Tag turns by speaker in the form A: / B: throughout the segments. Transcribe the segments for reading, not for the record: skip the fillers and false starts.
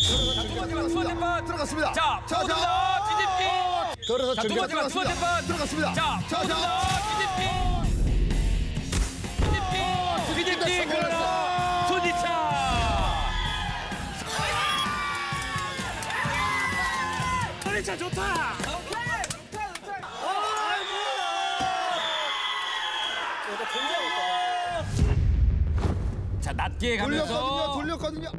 A: 들어갔습니다.
B: 자, 모두 다 뒤집기.
A: 걸어서
B: 자, 두 번째 판, 두 번째 판.
A: 들어갔습니다.
B: 자, 모두 다 뒤집기. 뒤집기, 그러나 손지차. 손지차 좋다. 자, 낮게 가면서.
A: 돌렸거든요.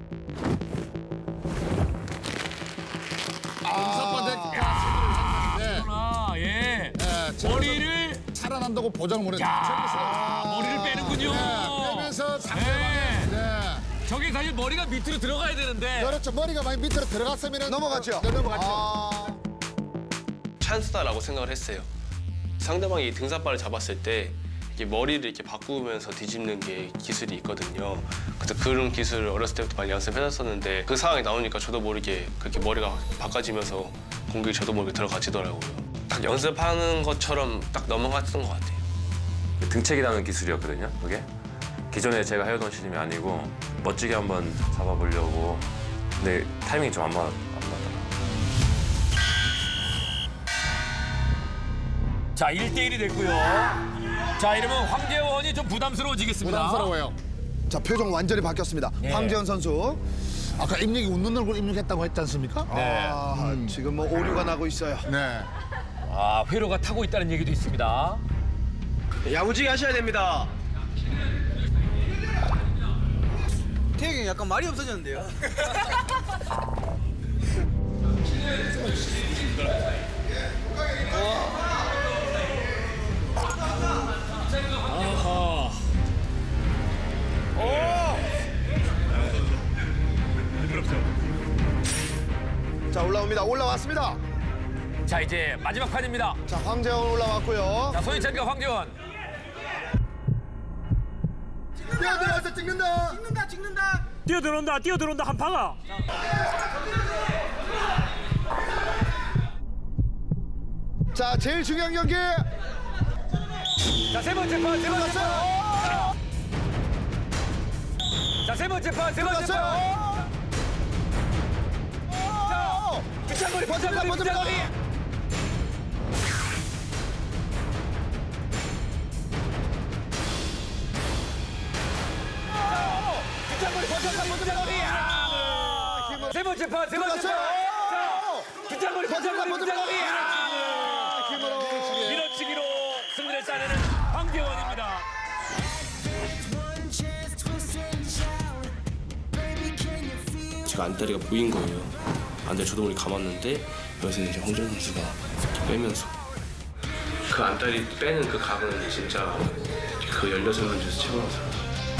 B: 아, 예. 머리를
A: 살아난다고 보장을 못했죠.
B: 머리를 빼는군요.
A: 빼면서 상대방의
B: 저게 사실 머리가 밑으로 들어가야 되는데.
A: 그렇죠. 머리가 많이 밑으로 들어갔으면 넘어갔죠. 넘어갔죠.
C: 찬스다라고 생각을 했어요. 상대방이 등산바를 잡았을 때 이렇게 머리를 이렇게 바꾸면서 뒤집는 게 기술이 있거든요. 그래서 그런 기술을 어렸을 때부터 많이 연습해놨었는데 그 상황이 나오니까 저도 모르게 그렇게 머리가 바꿔지면서 공격이 저도 모르게 들어가지더라고요. 딱 연습하는 것처럼 딱 넘어갔던 것 같아요.
D: 등책이라는 기술이었거든요, 그게. 기존에 제가 해오던 시즘이 아니고 멋지게 한번 잡아보려고. 근데 타이밍이 좀 안 맞더라고요.
B: 자, 1대1이 됐고요. 자, 이러면 황재원이 좀 부담스러워지겠습니다.
A: 부담스러워요. 자, 표정 완전히 바뀌었습니다.
B: 네.
A: 황재현 선수. 아까 입력이 웃는 얼굴 입력했다고 했지 않습니까?
B: 네.
A: 지금 뭐 오류가 나고 있어요. 네.
B: 아, 회로가 타고 있다는 얘기도 있습니다.
E: 야무지게 하셔야 됩니다. 태혁이 형 약간 말이 없어졌는데요.
A: 자, 올라옵니다. 올라왔습니다.
B: 자, 이제 마지막 판입니다.
A: 자, 황재원 올라왔고요.
B: 자, 손희찬과 황재원.
A: 뛰어들어서 찍는다.
E: 찍는다.
F: 뛰어들어온다 한파가.
A: 자, 제일 중요한 경기.
B: 자, 세 번째 판, 세 번째 판. 자, 세 번째 판, 세 번째 판. 붙잡거리, 붙잡거리, 붙잡거리. 붙잡거리, 붙잡거리, 붙잡거리. 세 번째 판, 세 번째 판. 붙잡거리, 붙잡거리, 붙잡거리.
A: 힘으로.
B: 밀어치기로 승리를 따내는 황재원입니다.
C: 제가 안다리가 보인 거예요. 안다리 저도 모르게 감았는데 여기서 이제 황재원 선수가 이렇게 빼면서 그 안다리 빼는 그 각은 진짜 그 16명 중에서 최고라고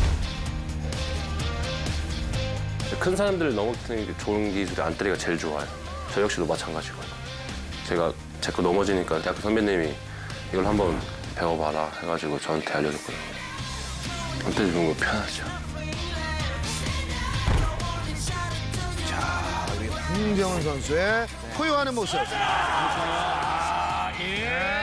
D: 큰 사람들을 넘어뜨리는 게 좋은 기술이 안다리가 제일 좋아요. 저 역시도 마찬가지고요. 제가 자꾸 넘어지니까 대학교 선배님이 이걸 한번 배워봐라 해가지고 저한테 알려줬거든요. 안다리 배우는 거 편하죠.
A: 황재원 선수의 포효하는 모습.
B: 예.